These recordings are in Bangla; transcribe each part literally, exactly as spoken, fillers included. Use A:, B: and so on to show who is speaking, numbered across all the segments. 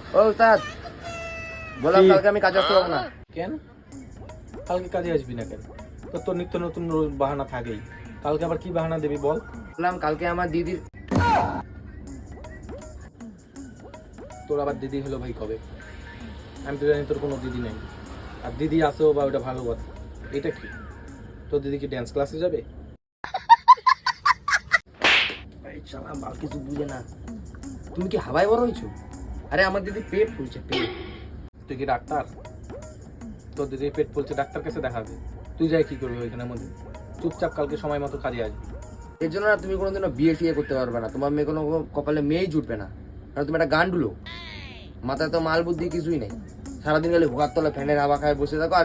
A: ও উস্তাদ, বললাম
B: কি?
A: কালকে আমি কাজে আসতে পারবো না।
B: কেন কালকে কাজে আসবি না কেন? তো তোর নিত্য নতুন রোজ বাহানা থাকেই। কালকে আবার কি বাহানা দিবি বল?
A: বললাম কালকে আমার দিদির।
B: তোর আবার দিদি হলো ভাই কবে? আমি তো জানি তোর কোনো দিদি নেই, আর দিদি আসেও বা ওটা ভালো কথা। এটা কি তোর দিদি কি ড্যান্স ক্লাসে যাবে?
A: এই শালা বাল কিছু বুঝে না। তুমি কি হাওয়ায় বড় হয়েছো? আরে আমার দিদি পেট ফুলছে, পেট।
B: তুই কি ডাক্তার? তোর দিদি পেট ফুলছে, ডাক্তার কাছে দেখাবে। তুই যাই কি করবি ওইখানের মধ্যে? চুপচাপ কালকে সময় মতো কাজে আসবি।
A: এর জন্য না তুমি কোনোদিনও বিয়ে টিয়ে করতে পারবে না। তোমার মেয়ে কোনো কপালে মেয়েই জুটবে না, কারণ তুমি একটা গান্ডুলো। মাথায় তো মাল বুদ্ধি কিছুই নেই। সারাদিন খালি ভোগার তলে ফ্যানের হাওয়া খায় বসে থাকো, আর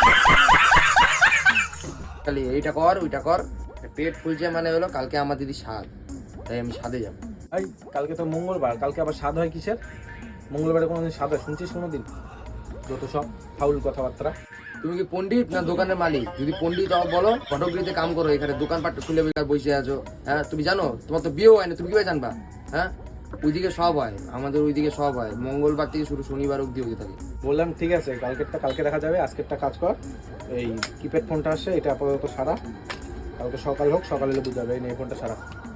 A: খালি এইটা কর ওইটা কর। পেট ফুলছে মানে হলো কালকে আমার দিদি স্বাদ, তাই আমি স্বাদে যাবো।
B: এই কালকে তো মঙ্গলবার, কালকে আবার স্বাদ হয় কিসের? মঙ্গলবারে কোনোদিন স্বাদ হয় শুনছিস কোনোদিন? যত সব ফাউল কথাবার্তা।
A: তুমি কি পণ্ডিত না দোকানের মালিক? যদি পণ্ডিত হও বলো, ফটোগ্রাফিতে কাম করো, এখানে দোকানপাট খুলে বেকার বসে আছো। হ্যাঁ তুমি জানো তোমার তো বিয়েও হয় না, তুমি কিভাবে জানবা? হ্যাঁ ওইদিকে সব হয়, আমাদের ওইদিকে সব হয়। মঙ্গলবার থেকে শুরু শনিবার অব্দি হতে থাকে।
B: বললাম ঠিক আছে, কালকেরটা কালকে দেখা যাবে, আজকেরটা কাজ কর। এই কিপ্যাড ফোনটা আসছে, এটা আপাতত সারা। কালকে সকাল হোক, সকালে এলে বুঝাবে। এই নিয়ে ফোনটা সারা।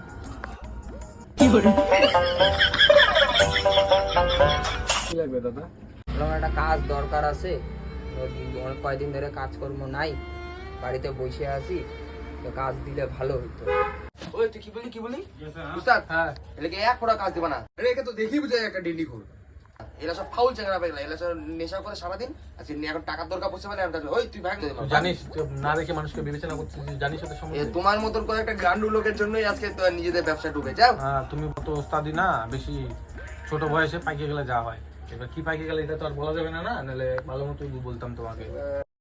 B: কি লাগবে দাদা?
C: আমার একটা কাজ দরকার আছে, অনেক কয়দিন ধরে কাজকর্ম নাই, বাড়িতে বসে আছি, তো কাজ দিলে ভালো হতো।
A: ওই তুই কি বলি কি বলি উস্তাদ?
B: হ্যাঁ,
A: এলাকে এক ফোঁটা কাজ দিবা না। আরে একে তো দেখি বুঝে একটা ডেলি ঘুর। এরা সব ফাউল চেঙ্গা পেগলা, এরা সব নেশা করে সারাদিন। আচ্ছা এখন টাকার দরকার পড়ছে বলে আমি ওই তুই ভাগ দে।
B: তুই জানিস তুই না দেখে মানুষকে বিবেচনা করছিস, জানিস ওদের
A: এ
B: সম্বন্ধে?
A: তোমার মতন করে একটা গান্ডু লোকের জন্যই আজকে তো নিজেদের ব্যবসা ডুবে যাও।
B: হ্যাঁ, তুমি তো ওস্তাদি না, বেশি ছোট বয়সে পাইকে গেলে যা হয়। এবার কি পাইকে গেলে এটা তো আর বলা যাবে না, না নাহলে ভালো মতো বলতাম তোমাকে।